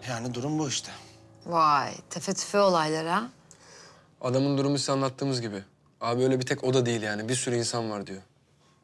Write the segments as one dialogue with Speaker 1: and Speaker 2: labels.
Speaker 1: Yani durum bu işte.
Speaker 2: Vay, tefe tüfe olaylar ha.
Speaker 3: Adamın durumu size anlattığımız gibi. Abi öyle bir tek o da değil yani. Bir sürü insan var diyor.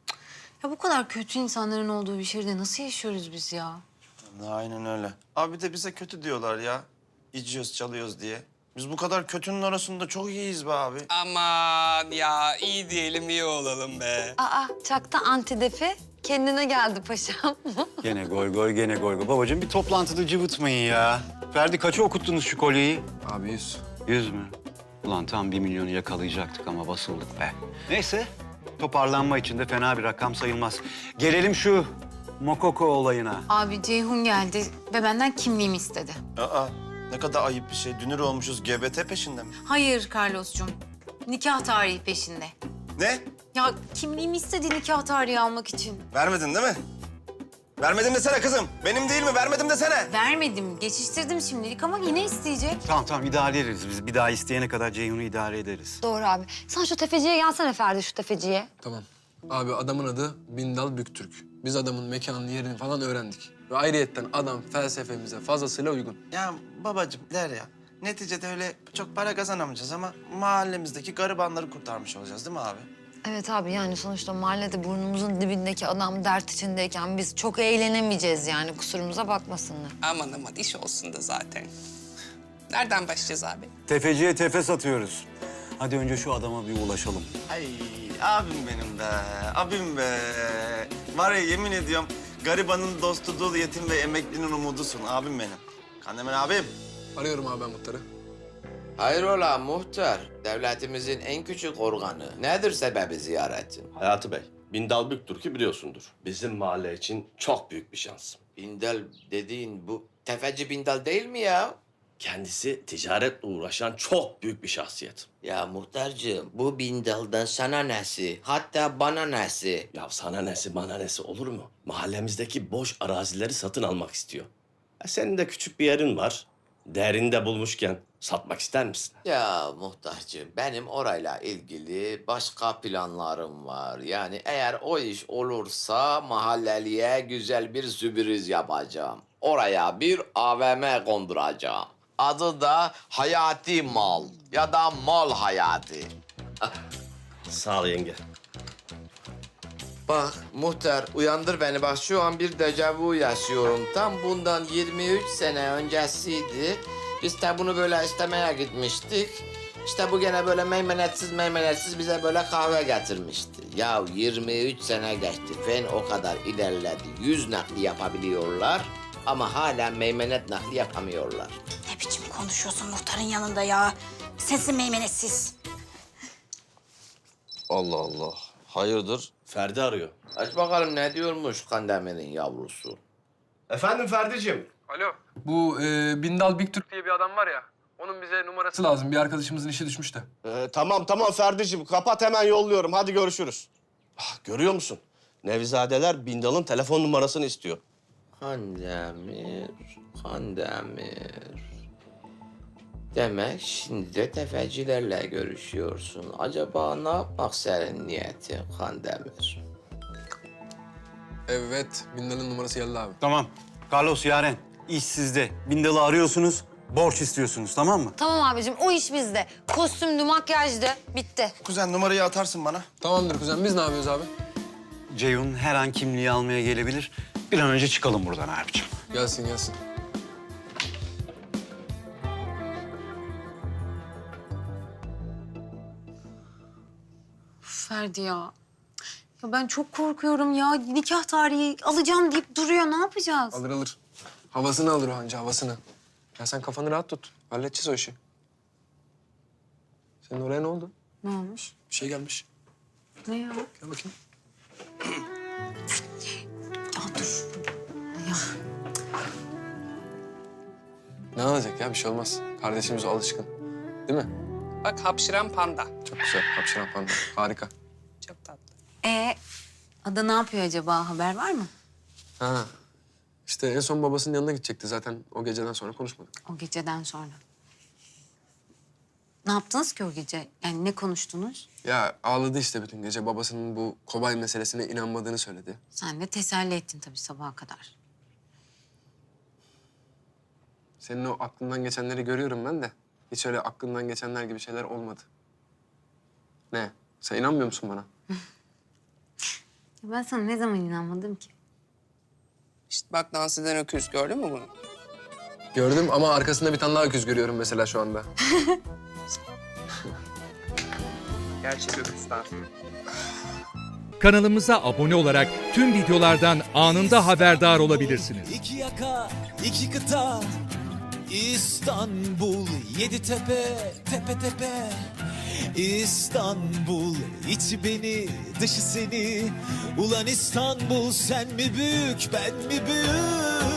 Speaker 2: Ya bu kadar kötü insanların olduğu bir şehirde nasıl yaşıyoruz biz ya?
Speaker 1: Aynen öyle. Abi de bize kötü diyorlar ya. İçiyoruz, çalıyoruz diye. Biz bu kadar kötünün arasında çok iyiyiz be abi.
Speaker 4: Aman ya iyi diyelim iyi olalım be.
Speaker 2: Aa, çakta antidefi kendine geldi paşam.
Speaker 5: Gene goy goy, gene goy goy. Babacığım bir toplantıda cıvıtmayın ya. Ferdi kaça okuttunuz şu kolyeyi?
Speaker 3: Abi 100.
Speaker 5: 100 mü? Ulan tam 1 milyonu yakalayacaktık ama basıldık be. Neyse, toparlanma için de fena bir rakam sayılmaz. Gelelim şu Mokoko olayına.
Speaker 2: Abi Ceyhun geldi ve benden kimliğimi istedi.
Speaker 1: Aa, ne kadar ayıp bir şey. Dünür olmuşuz, GBT peşinde mi?
Speaker 2: Hayır Carlos'cum, nikah tarihi peşinde.
Speaker 1: Ne?
Speaker 2: Ya kimliğimi istedi nikah tarihi almak için.
Speaker 1: Vermedin değil mi? Vermedim desene kızım. Benim değil mi? Vermedim desene.
Speaker 2: Vermedim, geçiştirdim şimdilik ama yine isteyecek.
Speaker 5: Tamam idare ederiz biz. Bir daha isteyene kadar Ceyhun'u idare ederiz.
Speaker 6: Doğru abi. Sen şu tefeciye gelsene Ferdi, şu tefeciye.
Speaker 3: Tamam. Abi adamın adı Bindal Büktürk. Biz adamın mekanını, yerini falan öğrendik. Ve ayrıyetten adam felsefemize fazlasıyla uygun.
Speaker 1: Ya babacığım der ya. Neticede öyle çok para kazanamayacağız ama mahallemizdeki garibanları kurtarmış olacağız değil mi abi?
Speaker 6: Evet abi, yani sonuçta mahallede burnumuzun dibindeki adam dert içindeyken biz çok eğlenemeyeceğiz yani, kusurumuza bakmasınlar.
Speaker 4: Aman aman iş olsun da zaten. Nereden başlayacağız abi?
Speaker 5: Tefeciye tefe satıyoruz. Hadi önce şu adama bir ulaşalım.
Speaker 1: Ay abim benim be, abim be. Var ya yemin ediyorum garibanın dostu dul yetim ve emeklinin umudusun abim benim. Kandemir abim.
Speaker 3: Arıyorum abi ben muhtarı.
Speaker 7: Hayrola muhtar, devletimizin en küçük organı. Nedir sebebi ziyaretin?
Speaker 8: Hayati Bey, Bindal Büktürk'ü biliyorsundur. Bizim mahalle için çok büyük bir şans.
Speaker 7: Bindal dediğin bu tefeci Bindal değil mi ya?
Speaker 8: Kendisi ticaretle uğraşan çok büyük bir şahsiyet.
Speaker 7: Ya muhtarcığım, bu Bindal'dan sana nesi, hatta bana nesi?
Speaker 8: Ya sana nesi bana nesi olur mu? Mahallemizdeki boş arazileri satın almak istiyor. Senin de küçük bir yerin var. Değerini de bulmuşken satmak ister misin?
Speaker 7: Ya muhtarcığım, benim orayla ilgili başka planlarım var. Yani eğer o iş olursa mahalleliye güzel bir sürpriz yapacağım. Oraya bir AVM konduracağım. Adı da Hayati Mal ya da Mal Hayati.
Speaker 8: Sağ ol yenge.
Speaker 7: Bak muhtar uyandır beni, bak şu an bir dejavu yaşıyorum. Tam bundan 23 sene öncesiydi. Biz de bunu böyle istemeye gitmiştik. İşte bu gene böyle meymenetsiz bize böyle kahve getirmişti. Ya 23 sene geçti, fen o kadar ilerledi. 100 nakli yapabiliyorlar ama hala meymenet nakli yapamıyorlar.
Speaker 9: Ne biçim konuşuyorsun muhtarın yanında ya? Sensin meymenetsiz.
Speaker 7: Allah Allah. Hayırdır?
Speaker 8: Ferdi arıyor.
Speaker 7: Aç bakalım ne diyormuş Kandemir'in yavrusu.
Speaker 8: Efendim Ferdi'cim.
Speaker 3: Alo. Bu Bindal Büktürk diye bir adam var ya. Onun bize numarası lazım. Bir arkadaşımızın işi düşmüş de.
Speaker 8: Tamam Ferdi'cim. Kapat hemen yolluyorum. Hadi görüşürüz. Ah, görüyor musun? Nevizadeler Bindal'ın telefon numarasını istiyor.
Speaker 7: Kandemir. Demek şimdi de tefecilerle görüşüyorsun. Acaba ne yapmak senin niyetin Kandemir?
Speaker 3: Evet. Bindal'ın numarası geldi abi.
Speaker 5: Tamam. Carlos, Yaren, iş sizde. Bindal'ı arıyorsunuz, borç istiyorsunuz, tamam mı?
Speaker 6: Tamam abicim, o iş bizde. Kostümdü, makyajdı, bitti.
Speaker 1: Kuzen numarayı atarsın bana.
Speaker 3: Tamamdır kuzen. Biz ne yapıyoruz abi?
Speaker 5: Ceyhun her an kimliği almaya gelebilir. Bir an önce çıkalım buradan abicim.
Speaker 3: Gelsin gelsin.
Speaker 2: Ferdi ya. Ya ben çok korkuyorum ya. Nikah tarihi alacağım deyip duruyor. Ne yapacağız?
Speaker 3: Alır alır. Havasını alır o anca havasını. Ya sen kafanı rahat tut. Halledeceğiz o işi. Senin oraya ne oldu?
Speaker 2: Ne olmuş?
Speaker 3: Bir şey gelmiş.
Speaker 2: Ne ya?
Speaker 3: Gel bakayım.
Speaker 2: Ya dur.
Speaker 3: Ne olacak ya? Bir şey olmaz. Kardeşimiz o alışkın. Değil mi?
Speaker 4: Bak hapşıran panda.
Speaker 3: Çok güzel. Hapşıran panda. Harika.
Speaker 4: Çok tatlı.
Speaker 2: Ada ne yapıyor acaba? Haber var mı?
Speaker 3: Ha. İşte en son babasının yanına gidecekti. Zaten o geceden sonra konuşmadık.
Speaker 2: O geceden sonra. Ne yaptınız ki o gece? Yani ne konuştunuz?
Speaker 3: Ya ağladı işte bütün gece. Babasının bu kobay meselesine inanmadığını söyledi.
Speaker 2: Sen de teselli ettin tabii sabaha kadar.
Speaker 3: Senin o aklından geçenleri görüyorum ben de. Hiç öyle aklından geçenler gibi şeyler olmadı. Ne? Sen inanmıyor musun bana?
Speaker 2: Ya ben sana ne zaman inanmadım ki?
Speaker 4: İşte bak dans eden öküz gördün mü bunu?
Speaker 3: Gördüm ama arkasında bir tane daha öküz görüyorum mesela şu anda.
Speaker 4: Gerçek öküz dansı.
Speaker 10: Kanalımıza abone olarak tüm videolardan anında haberdar olabilirsiniz.
Speaker 11: İki yaka, iki kıta, İstanbul, yedi tepe, tepe tepe. İstanbul, içi beni, dışı seni. Ulan İstanbul, sen mi büyük, ben mi büyük?